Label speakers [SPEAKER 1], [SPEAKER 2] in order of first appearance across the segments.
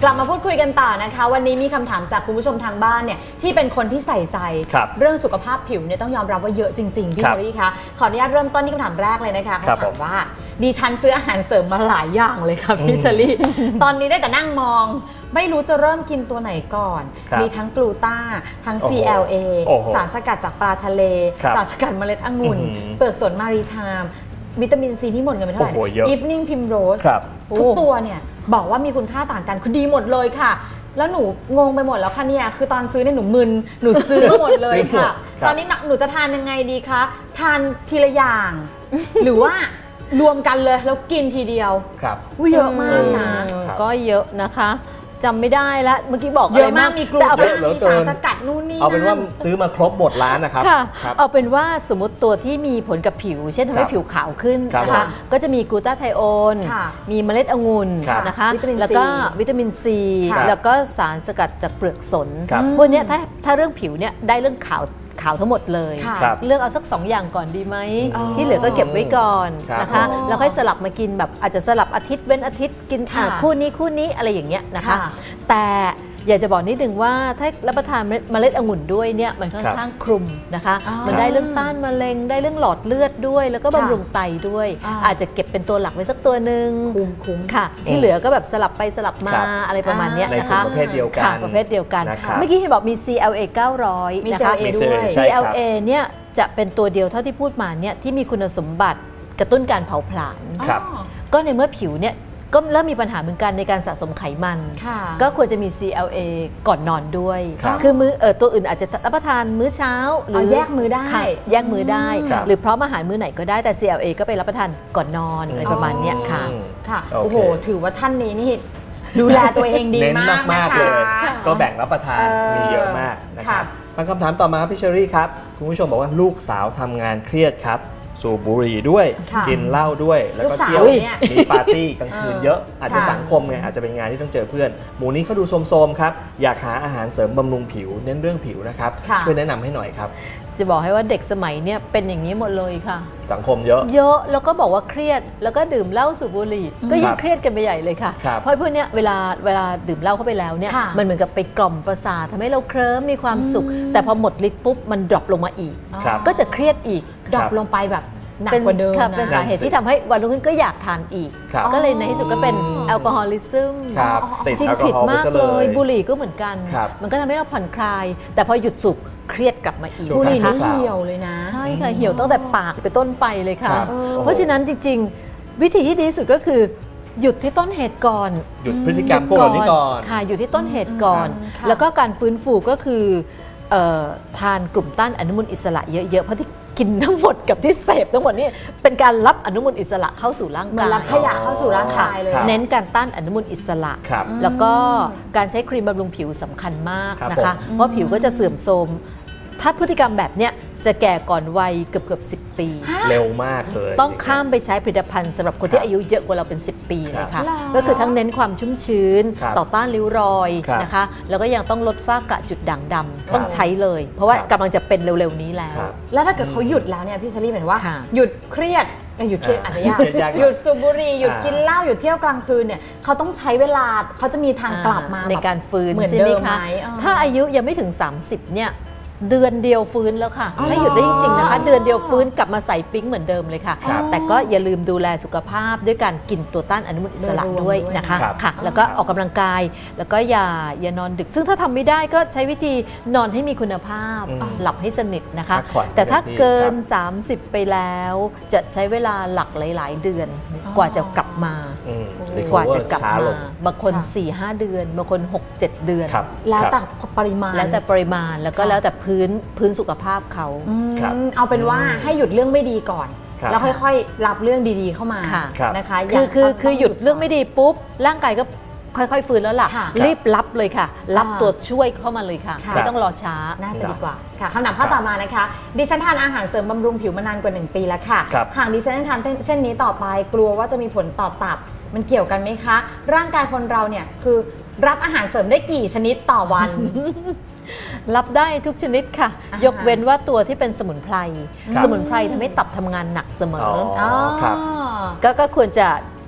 [SPEAKER 1] กลับมาพูดคุยกันต่อนะคะวันนี้มีคำถามจากคุณผู้ชมทางบ้านเนี่ยที่เป็นคนที่ใส่ใจเรื่องสุขภาพผิวเนี่ยต้องยอมรับว่าเยอะจริงๆพี่เชอรี่คะขออนุญาตเริ่มต้นที่คำถามแรกเลยนะคะเขาถามว่าดิฉันซื้ออาหารเสริมมาหลายอย่างเลยค่ะพี่เชอรี่ตอนนี้ได้แต่นั่งมองไม่รู้จะเริ่มกินตัวไหนก่อนมีทั้งกลูต้าทั้ง CLA สารสกัดจากปลาทะเลสารสกัดเมล็ดองุ่นเปลือกสนมารีไทม์วิตามินซีที่หมดเงินไปเท่าไหร่ Evening Primrose ทุกตัวเนี่ยบอกว่ามีคุณค่าต่างกันคือดีหมดเลยค่ะแล้วหนูงงไปหมดแล้วค่ะเนี่ยคือตอนซื้อเนี่ยหนูมึนหนูซื้อมาหมดเลยค่ะตอนนี้หนูจะทานยังไงดีคะทานทีละอย่างหรือว่ารวมกันเลยแล้วกินทีเดียวเยอะมากนะ
[SPEAKER 2] ก็เยอะนะคะจำไม่ได้แล้วเมื่อกี้บอก
[SPEAKER 1] เยอะมากมีกลุ่มมีสารสกัดนู่นนี่
[SPEAKER 3] เอาเป็นว่าซื้อมาครบหมดร้านนะครับ
[SPEAKER 2] เอาเป็นว่าสมมติตัวที่มีผลกับผิวเช่นทำให้ผิวขาวขึ้นนะคะก็จะมีกลูตาไทโอนมีเมล็ดองุ่นนะคะแล้วก็วิตามินซีแล้วก็สารสกัดจากเปลือกสนพวกนี้ถ้าเรื่องผิวเนี่ยได้เรื่องขาวทั้งหมดเลยเลือกเอาสัก2อย่างก่อนดีไหมที่เหลือก็เก็บไว้ก่อนนะคะแล้วค่อยสลับมากินแบบอาจจะสลับอาทิตย์เว้นอาทิตย์กินคู่นี้อะไรอย่างเงี้ยนะคะแต่อยากจะบอกนิดนึงว่าถ้ารับประทานเมล็ดองุ่นด้วยเนี่ยมันค่อนข้างคลุมนะคะมันได้เรื่องต้านมะเร็งได้เรื่องหลอดเลือดด้วยแล้วก็บำรุงไตด้วยอาจจะเก็บเป็นตัวหลักไว้สักตัวหนึ่งคุ้มค่ะที่เหลือก็แบบสลับไปสลับมาอะไรประมาณนี้นะคะ
[SPEAKER 3] ในประเภทเดียวกัน
[SPEAKER 2] ประเภทเดียวกันเมื่อกี้เห็นบอกมี CLA 900
[SPEAKER 1] มี
[SPEAKER 2] นะคะ
[SPEAKER 1] CLA ด้วย
[SPEAKER 2] CLA เนี่ยจะเป็นตัวเดียวเท่าที่พูดมาเนี่ยที่มีคุณสมบัติกระตุ้นการเผาผลาญก็ในเมื่อผิวเนี่ยก็เริ่มมีปัญหาเหมือนกันในการสะสมไขมันก็ควรจะมี CLA ก่อนนอนด้วยคือมื้อตัวอื่นอาจจะรับประทานมื้อเช้าหรือ
[SPEAKER 1] แยกมื้อได้
[SPEAKER 2] แยกมื้อได้หรือพร้อมอาหารมื้อไหนก็ได้แต่ CLA ก็ไปรับประทานก่อนนอนอะไรประมาณนี้
[SPEAKER 1] ค่ะโอ้โหถือว่าท่านนี้นี่ดูแลตัวเองดีมาก
[SPEAKER 3] เลยก็แบ่งรับประทานมีเยอะมากนะครับมาคำถามต่อมาพี่เชอรี่ครับคุณผู้ชมบอกว่าลูกสาวทำงานเครียดครับสูบบุหรี่ด้วยกินเหล้าด้วยแล้วก็เที่ยวมีปาร์ตี้กลางคืนเยอะอาจจะสังคมไงอาจจะเป็นงานที่ต้องเจอเพื่อนหมูนี้เขาดูโทรมๆครับอยากหาอาหารเสริมบำรุงผิวเน้นเรื่องผิวนะครับช่วยแนะนำให้หน่อยครับ
[SPEAKER 2] จะบอกให้ว่าเด็กสมัยเนี่ยเป็นอย่างนี้หมดเลยค่ะ
[SPEAKER 3] สังคมเยอะ
[SPEAKER 2] แล้วก็บอกว่าเครียดแล้วก็ดื่มเหล้าสูบบุหรี่ก็ยิ่งเครียดกันไปใหญ่เลยค่ะเพราะพวกนี้เวลาดื่มเหล้าเข้าไปแล้วเนี่ยมันเหมือนกับไปกล่อมประสาททำให้เราเคลิ้มมีความสุขแต่พอหมดฤทธิ์ปุ๊บมันดรอปลงมาอีกก็จะเครียดอีก
[SPEAKER 1] ดรอปลงไปแบบหนักกว่าเดิม
[SPEAKER 2] เป็นสาเหตุที่ทำให้วันรุ่งขึ้นก็อยากทานอีกก็เลยในที่สุดก็เป็นแอลกอฮอลิซึมจริงผิดมากเลยบุหรี่ก็เหมือนกันมันก็ทำให้เราผ่อนคลายแต่พอหยุดสูบเครียดกลับมาอีก
[SPEAKER 1] บุหรี่นี่เหี่ยวเลยนะ
[SPEAKER 2] ใช่ค่ะเหี่ยวตั้งแต่ปากไปต้นไปเลยค่ะเพราะฉะนั้นจริงๆวิธีที่ดีที่สุดก็คือหยุดที่ต้นเหตุก่อน
[SPEAKER 3] หยุดพฤติกรรมพวกนี้ก่อน
[SPEAKER 2] ค่ะหยุดที่ต้นเหตุก่อนแล้วก็การฟื้นฟูก็คือทานกลุ่มต้านอนุมูลอิสระเยอะๆเพราะที่กินทั้งหมดกับที่เสพทั้งหมดนี่เป็นการรับอนุมูลอิสระเข้าสู่ร่างกาย
[SPEAKER 1] รับขยะเข้าสู่ร่างกายเลย
[SPEAKER 2] เน้นการต้านอนุมูลอิสระแล้วก็การใช้ครีมบำรุงผิวสำคัญมากนะคะเพราะผิวก็จะเสื่อมโทรมถ้าพฤติกรรมแบบเนี้ยจะแก่ก่อนวัยเกือบ10 ปี
[SPEAKER 3] เร็วมากเลย
[SPEAKER 2] ต้องข้ามไปใช้ผลิตภัณฑ์สำหรับคนที่อายุเยอะกว่าเราเป็น10 ปีเลยค่ะก็คือทั้งเน้นความชุ่มชื้นต่อต้านริ้วรอยนะคะแล้วก็ยังต้องลดฝ้ากระจุดด่างดำต้องใช้เลยเพราะว่ากำลังจะเป็นเร็วๆนี้
[SPEAKER 1] แล้วถ้าเกิดเขาหยุดแล้วเนี่ยพี่เชอรี่หมายว่าหยุดเครียดหยุดเครียดอาจจะยากหยุดสูบบุหรี่หยุดกินเหล้าหยุดเที่ยวกลางคืนเนี่ยเขาต้องใช้เวลาเขาจะมีทางกลับมา
[SPEAKER 2] ในการฟื้น
[SPEAKER 1] ใช่ไหมคะ
[SPEAKER 2] ถ้าอายุยังไม่ถึง30เนี่ยเดือนเดียวฟื้นแล้วค่ะถ้าหยุดได้จริงๆนะคะเดือนเดียวฟื้นกลับมาใส่ปิ๊งเหมือนเดิมเลยค่ะแต่ก็อย่าลืมดูแลสุขภาพด้วยการกินตัวต้านอนุมูลอิสระด้วยนะคะค่ะแล้วก็ออกกำลังกายแล้วก็อย่านอนดึกซึ่งถ้าทำไม่ได้ก็ใช้วิธีนอนให้มีคุณภาพหลับให้สนิทนะคะแต่ถ้าเกิน30ไปแล้วจะใช้เวลาหลักหลายๆเดือนกว่าจะกลับมบางคน 4-5 เดือนบางคน 6-7 เดือน
[SPEAKER 1] แล้วแต่ปริมาณ
[SPEAKER 2] แล้วก็แล้วแต่พื้นสุขภาพเขา
[SPEAKER 1] เอาเป็นว่าให้หยุดเรื่องไม่ดีก่อนแล้วค่อยๆรับเรื่องดีๆเข้ามานะคะ
[SPEAKER 2] คือหยุดเรื่องไม่ดีปุ๊บร่างกายก็ค่อยๆฟื้นแล้วล่ะรีบรับเลยค่ะรับตัวช่วยเข้ามาเลยค่ะไม่ต้องรอช้า
[SPEAKER 1] น่าจะดีกว่าค่ะคำถามข้อต่อมานะคะดิฉันทานอาหารเสริมบำรุงผิวมานานกว่า1 ปีแล้วค่ะหากดิฉันทานเส้นนี้ต่อไปกลัวว่าจะมีผลต่อตับมันเกี่ยวกันไหมคะร่างกายคนเราเนี่ยคือรับอาหารเสริมได้กี่ชนิดต่อวัน
[SPEAKER 2] รับได้ทุกชนิดค่ะยกเว้นว่าตัวที่เป็นสมุนไพรทำให้ตับทำงานหนักเสมอก็ควรจะ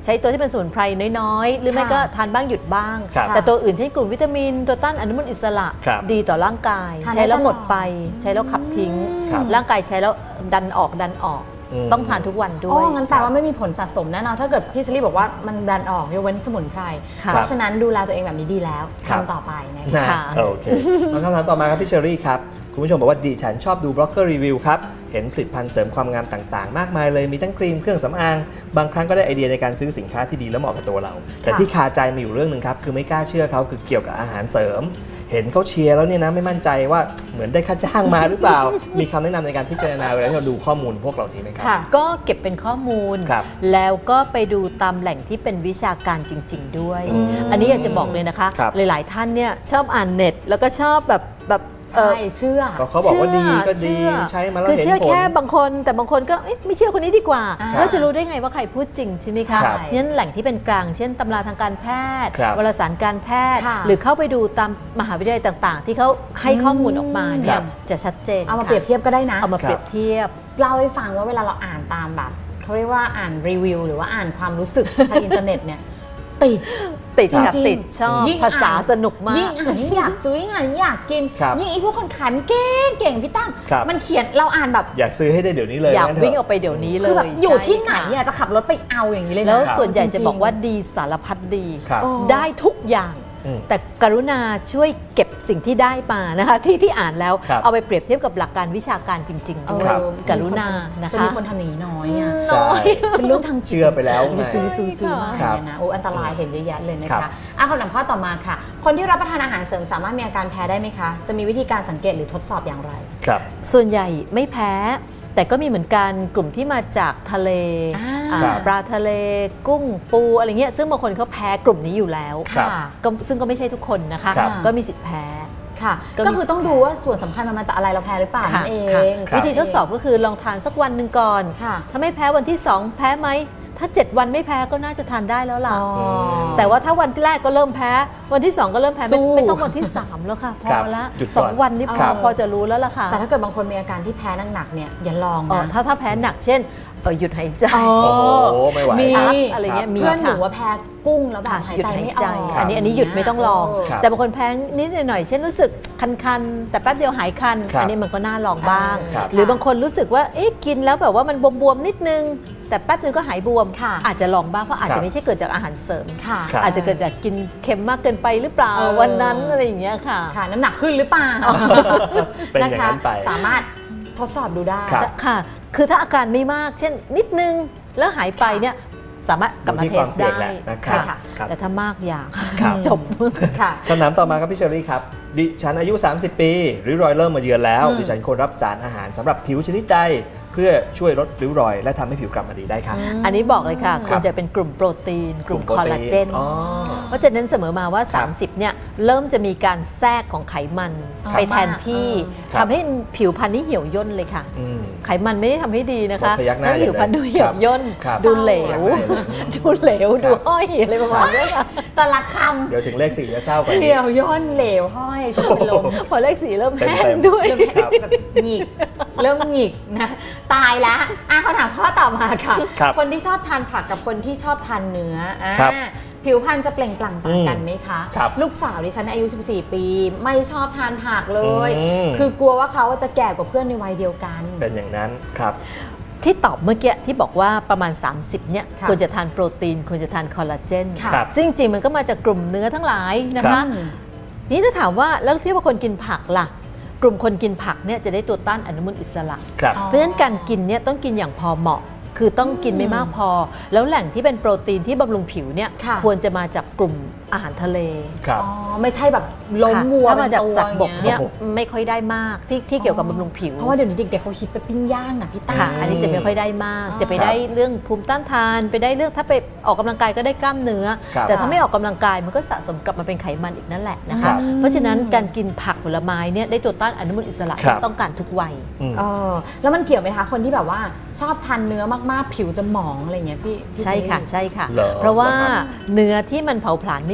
[SPEAKER 2] ใช้ตัวที่เป็นสมุนไพรน้อยๆหรือไม่ก็ทานบ้างหยุดบ้าง แต่ตัวอื่นเช่นกลุ่มวิตามินตัวต้านอนุมูลอิสระดีต่อร่างกายใช้แล้วหมดไปใช้แล้วขับทิ้งร่างกายใช้แล้วดันออกต้องทานทุกวันด้วย
[SPEAKER 1] งั้นแปลว่าไม่มีผลสะสมแน่นอนถ้าเกิดพี่เชลี่บอกว่ามันดันออกยกเว้นสมุนไพรเพราะฉะนั้นดูแลตัวเองแบบนี้ดีแล้วทำต่อไปนะคะ
[SPEAKER 3] โอเคคำถามต่อมาครับพี่เชอรี่ครับคุณผู้ชมบอกว่าดิฉันชอบดูบล็อกเกอร์รีวิวครับเห็นผลิตภัณฑ์เสริมความงามต่างๆมากมายเลยมีทั้งครีมเครื่องสำอางบางครั้งก็ได้ไอเดียในการซื้อสินค้าที่ดีและเหมาะกับตัวเราแต่ที่คาใจมีอยู่เรื่องหนึ่งครับคือไม่กล้าเชื่อเขาคือเกี่ยวกับอาหารเสริมเห็นเขาเชียร์แล้วเนี่ยนะไม่มั่นใจว่าเหมือนได้ค่าจ้างมาหรือเปล่ามีคำแนะนำในการพิจารณาเวลาที่เราดูข้อมูลพวกเหล่านี้ไหมครับ
[SPEAKER 2] ก็เก็บเป็นข้อมูลแล้วก็ไปดูตามแหล่งที่เป็นวิชาการจริงๆด้วยอันนี้อยากจะบอกเลยนะคะหลายๆท่านเนี่ยชอบอ่านเน็ตแล้วก็ชอบแบบ
[SPEAKER 1] ใช่เชื่อ
[SPEAKER 3] เขาบอกว่าดีก็ดีใช้มาแล้วเห็นผล
[SPEAKER 2] คือเชื่อแค่บางคนแต่บางคนก็ไม่เชื่อคนนี้ดีกว่าแล้วจะรู้ได้ไงว่าใครพูดจริงใช่ไหมคะงั้นแหล่งที่เป็นกลางเช่นตำราทางการแพทย์วารสารการแพทย์หรือเข้าไปดูตามมหาวิทยาลัยต่างๆที่เขาให้ข้อมูลออกมาเนี่ยจะชัดเจน
[SPEAKER 1] เอามาเปรียบเทียบก็ได้นะ
[SPEAKER 2] เอามาเปรียบเทียบ
[SPEAKER 1] เล่าให้ฟังว่าเวลาเราอ่านตามแบบเขาเรียกว่าอ่านรีวิวหรือว่าอ่านความรู้สึกทางอินเทอร์เน็ตเนี่ยติด
[SPEAKER 2] ชอบภาษาสนุกมาก
[SPEAKER 1] ยิ่งอ่านยิ่งอยากซื้อยิ่งอ่านยิ่งอยากกินยิ่งไอ้พวกคนขายมันเก่งพี่ตั้มมันเขียนเราอ่านแบบ
[SPEAKER 3] อยากซื้อให้ได้เดี๋ยวนี้เลย
[SPEAKER 2] อยากวิ่งออกไปเดี๋ยวนี้เลย
[SPEAKER 1] คือแบบอยู่ที่ไหนจะขับรถไปเอาอย่างนี้เลย
[SPEAKER 2] แล้วส่วนใหญ่จะบอกว่าดีสารพัดดีได้ทุกอย่างแต่กรุณาช่วยเก็บสิ่งที่ได้มานะคะที่อ่านแล้วเอาไปเปรียบเทียบกับหลักการวิชาการจริงๆด้วยกรุณานะคะ
[SPEAKER 1] จะมีคนทำอย่างนี้น้อย
[SPEAKER 3] เป็นเรื่องทางเชื่อไปแล้ว
[SPEAKER 1] ซื้อมากเลยนะอันตรายเห็นเยอะแยะเลยนะคะคำถามข้อต่อมาค่ะคนที่รับประทานอาหารเสริมสามารถมีอาการแพ้ได้ไหมคะจะมีวิธีการสังเกตหรือทดสอบอย่างไร
[SPEAKER 3] ครับ
[SPEAKER 2] ส่วนใหญ่ไม่แพ้แต่ก็มีเหมือนกันกลุ่มที่มาจากทะเลปลาทะเลกุ้งปูอะไรเงี้ยซึ่งบางคนเขาแพ้กลุ่มนี้อยู่แล้วซึ่งก็ไม่ใช่ทุกคนนะคะก็มีสิทธิ์แพ้
[SPEAKER 1] ก็คือต้องดูว่าส่วนสำคัญมันมาจากอะไรเราแพ้หรือเปล่านั่นเอง
[SPEAKER 2] วิธีทดสอบก็คือลองทานสักวันหนึ่งก่อนถ้าไม่แพ้วันที่2แพ้ไหมถ้า7วันไม่แพ้ก็น่าจะทานได้แล้วล่ะแต่ว่าถ้าวันแรกก็เริ่มแพ้วันที่2ก็เริ่มแพ้ไม่ต้องวันที่3แล้วค่ะพอละ2วันนี่พอจะรู้แล้วล่ะค่ะ
[SPEAKER 1] แต่ถ้าเกิดบางคนมีอาการที่แพ้หนักๆเนี่ยอย่าลองนะ
[SPEAKER 2] ถ้าแพ้หนักเช่นหยุดหายใจ
[SPEAKER 3] ไม่ไหว
[SPEAKER 2] อะไรเงี้ยมี
[SPEAKER 1] เพื่อนหนูว่าแพ้กุ้งแล้วแบบหายใจไม่ออก
[SPEAKER 2] อันนี้หยุดไม่ต้องลองแต่บางคนแพ้นิดหน่อยเช่นรู้สึกคันๆแต่แป๊บเดียวหายคันอันนี้มันก็น่าลองบ้างหรือบางคนรู้สึกว่ากินแล้วแบบว่ามันบวมๆนิดนึงแต่แป๊บนึงก็หายบวมอาจจะลองบ้างเพราะอาจจะไม่ใช่เกิดจากอาหารเสริมอาจจะเกิดจากกินเค็มมากเกินไปหรือเปล่าวันนั้นอะไรอย่างเงี้ยค่ะ
[SPEAKER 1] น้ำหนักขึ้นหรือเปล่า
[SPEAKER 3] นะคะ
[SPEAKER 1] สามารถทดสอบดูได้
[SPEAKER 2] ค่ะคือถ้าอาการไม่มากเช่นนิดนึงแล้วหายไปเนี่ยสามารถกลับมาเทสได้ค่ะแต่ถ้ามากอย่าจบ
[SPEAKER 3] คำถามต่อมาครับพี่เชอรี่ครับดิฉันอายุ30ปีริ้วรอยเริ่มมาเยือนแล้วดิฉันควรรับสารอาหารสำหรับผิวชนิดใดเพื่อช่วยลดริ้วรอยและทำให้ผิวกลับมาดีได้ครับ
[SPEAKER 2] อันนี้บอกเลยค่ะควรจะเป็นกลุ่มโปรตีนกลุ่มคอลลาเจนเพราะจะเน้นเสมอมาว่า30เนี่ยเริ่มจะมีการแทรกของไขมันไปแทนที่ทำให้ผิวพรรณนี่เหี่ยวย่นเลยค่ะไขมันไม่ได้ทำให้ดีนะคะให้ผิวพรรณดูเหี่ยวย่นดูเหลวดูห้อยอะไรประมาณนี้ค่ะ
[SPEAKER 1] แต่ละคำ
[SPEAKER 3] เดี๋ยวถึงเลข4จะเศร้าไป
[SPEAKER 1] เหี่ยวย่นเหลวห้อยเป็นลม
[SPEAKER 2] พอเลข4เริ่มแห้งด้วย
[SPEAKER 1] แบบหงิกเริ่มหงิกนะตายแล้วเขาถามข้อต่อมาค่ะคนที่ชอบทานผักกับคนที่ชอบทานเนื้อผิวพรรณจะเปล่งปลั่งต่างกันไหมคะลูกสาวดิฉันอายุ14ปีไม่ชอบทานผักเลยคือกลัวว่าเขาจะแก่กว่าเพื่อนในวัยเดียวกัน
[SPEAKER 3] เป็นอย่างนั้นครับ
[SPEAKER 2] ที่ตอบเมื่อกี้ที่บอกว่าประมาณ30เนี่ยควรจะทานโปรตีนควรจะทานคอลลาเจนซึ่งจริงมันก็มาจากกลุ่มเนื้อทั้งหลายนะคะนี่ถ้าถามว่าแล้วที่ว่าคนกินผักล่ะกลุ่มคนกินผักเนี่ยจะได้ตัวต้านอนุมูลอิสระเพราะฉะนั้นการกินเนี่ยต้องกินอย่างพอเหมาะคือต้องกินไม่มากพอแล้วแหล่งที่เป็นโปรตีนที่บำรุงผิวเนี่ยควรจะมาจากกลุ่มอาหารทะเล
[SPEAKER 1] ไม่ใช่แบบล้มวัว
[SPEAKER 2] ถ้ามาจากสัตว์บกเนี่ยไม่ค่อยได้มากที่เกี่ยวกับบำรุงผิว
[SPEAKER 1] เพราะว่าเดี๋ยวนี้เด็กๆเขาคิดไปปิ้งย่างนะพี่ตั้
[SPEAKER 2] มอันนี้จะไม่ค่อยได้มากจะไปได้เรื่องภูมิต้านทานไปได้เรื่องถ้าไปออกกำลังกายก็ได้กล้ามเนื้อแต่ถ้าไม่ออกกำลังกายมันก็สะสมกลับมาเป็นไขมันอีกนั่นแหละนะคะเพราะฉะนั้นการกินผักผลไม้เนี่ยได้ตัวต้านอนุมูลอิสระที่ต้องการทุกวัย
[SPEAKER 1] แล้วมันเกี่ยวไหมคะคนที่แบบว่าชอบทานเนื้อมากๆผิวจะหมองอะไรเงี้ยพี่
[SPEAKER 2] ใช่ค่ะเพราะว่าเนื้อที่มันเผาผลาญไม่หมด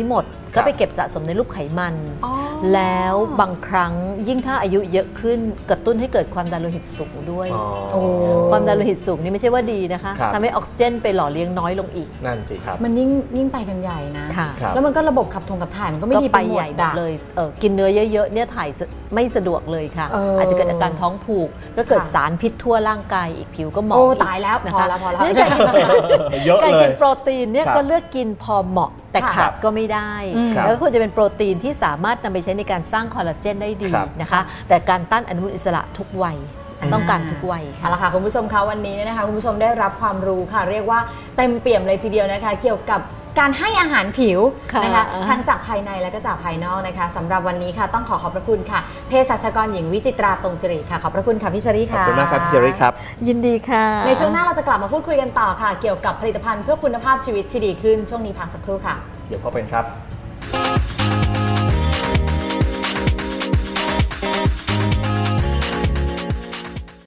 [SPEAKER 2] ก็ไปเก็บสะสมในรูปไขมัน แล้วบางครั้งยิ่งถ้าอายุเยอะขึ้นกระตุ้นให้เกิดความดันโลหิตสูงด้วยความดันโลหิตสูงนี่ไม่ใช่ว่าดีนะคะทำให้ออกซิเจนไปหล่อเลี้ยงน้อยลงอีก
[SPEAKER 3] นั่นสิครับ
[SPEAKER 1] มันยิ่งไปกันใหญ่นะแล้วมันก็ระบบขับถ่ายมันก็ไม่ดีไปใหญ่หมดเลย
[SPEAKER 2] กินเนื้อเยอะๆเนี่ยถ่ายไม่สะดวกเลยค่ะอาจจะเกิดอาการท้องผูกก็เกิดสารพิษทั่วร่างกายอีกผิวก็หมอง
[SPEAKER 1] ตายแล้วพอแล้ว
[SPEAKER 2] การกินโปรตีนเนี่ยก็เลือกกินพอเหมาะแต่ขาดก็ไม่ได้แล้วควรจะเป็นโปรตีนที่สามารถนำไปใช้ในการสร้างคอลลาเจนได้ดีนะคะแต่การต้านอนุมูลอิสระทุกวัยต้องการทุกวัยค่ะ
[SPEAKER 1] เอาละค่ะคุณผู้ชมคะวันนี้นะคะคุณผู้ชมได้รับความรู้ค่ะเรียกว่าเต็มเปี่ยมเลยทีเดียวนะคะเกี่ยวกับการให้อาหารผิวนะคะทั้งจากภายในและก็จากภายนอกนะคะสำหรับวันนี้ค่ะต้องขอบพระคุณค่ะเภสัชกรหญิงวิจิตราตรงสิริค่ะขอบพระคุณค่ะพี่เชอรี่ค่ะ
[SPEAKER 3] ขอบคุณมากครับพี่เชอรี่ครับ
[SPEAKER 2] ยินดีค่ะ
[SPEAKER 1] ในช่วงหน้าเราจะกลับมาพูดคุยกันต่อค่ะเกี่ยวกับผลิตภัณฑ์เพื่อคุณภาพชีวิตที่ดีขึ้นช่วงนี้พักสักครู่ค่ะ
[SPEAKER 3] เดี๋ยวพบกันครับ